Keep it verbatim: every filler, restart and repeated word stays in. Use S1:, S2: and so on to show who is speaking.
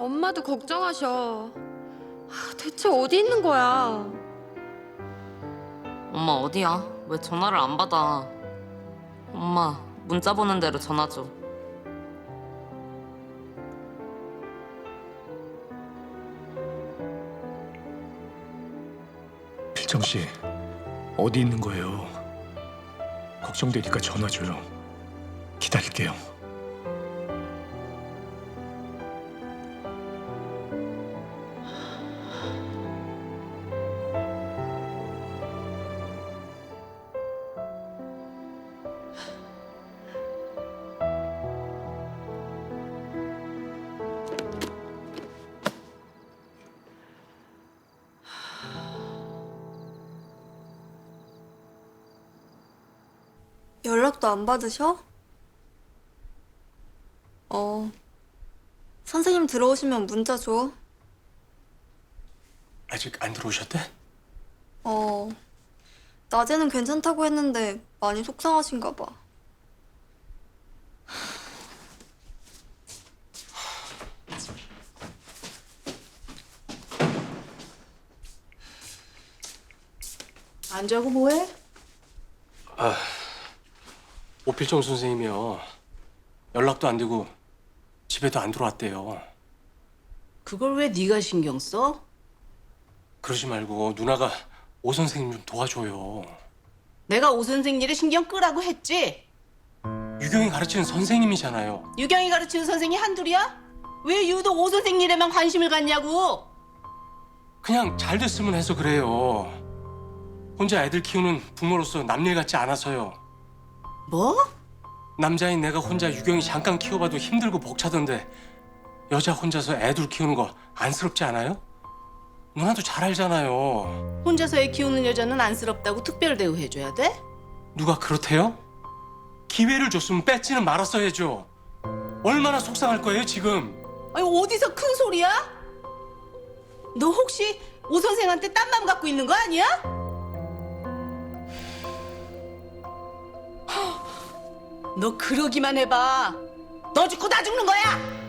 S1: 엄마도 걱정하셔. 아, 대체 어디 있는 거야?
S2: 엄마 어디야? 왜 전화를 안 받아? 엄마 문자 보낸 대로 전화 줘.
S3: 필정 씨, 어디 있는 거예요? 걱정되니까 전화 줘요. 기다릴게요.
S4: 연락도 안 받으셔? 어. 선생님 들어오시면 문자 줘.
S3: 아직 안 들어오셨대?
S4: 어. 낮에는 괜찮다고 했는데 많이 속상하신가 봐.
S5: 안 자고 뭐해?
S6: 오필정 선생님이요. 연락도 안 되고 집에도 안 들어왔대요.
S5: 그걸 왜 네가 신경 써?
S6: 그러지 말고 누나가 오 선생님 좀 도와줘요.
S5: 내가 오 선생 일에 신경 끄라고 했지?
S6: 유경이 가르치는 선생님이잖아요.
S5: 유경이 가르치는 선생이 한둘이야? 왜 유독 오 선생 일에만 관심을 갖냐고?
S6: 그냥 잘 됐으면 해서 그래요. 혼자 애들 키우는 부모로서 남일 같지 않아서요.
S5: 뭐?
S6: 남자인 내가 혼자 유경이 잠깐 키워봐도 힘들고 벅차던데 여자 혼자서 애들 키우는 거 안쓰럽지 않아요? 누나도 잘 알잖아요.
S5: 혼자서 애 키우는 여자는 안쓰럽다고 특별 대우해줘야 돼?
S6: 누가 그렇대요? 기회를 줬으면 뺏지는 말았어야죠. 얼마나 속상할 거예요 지금.
S5: 아니 어디서 큰 소리야? 너 혹시 오 선생한테 딴 맘 갖고 있는 거 아니야? 너 그러기만 해봐. 너 죽고 나 죽는 거야.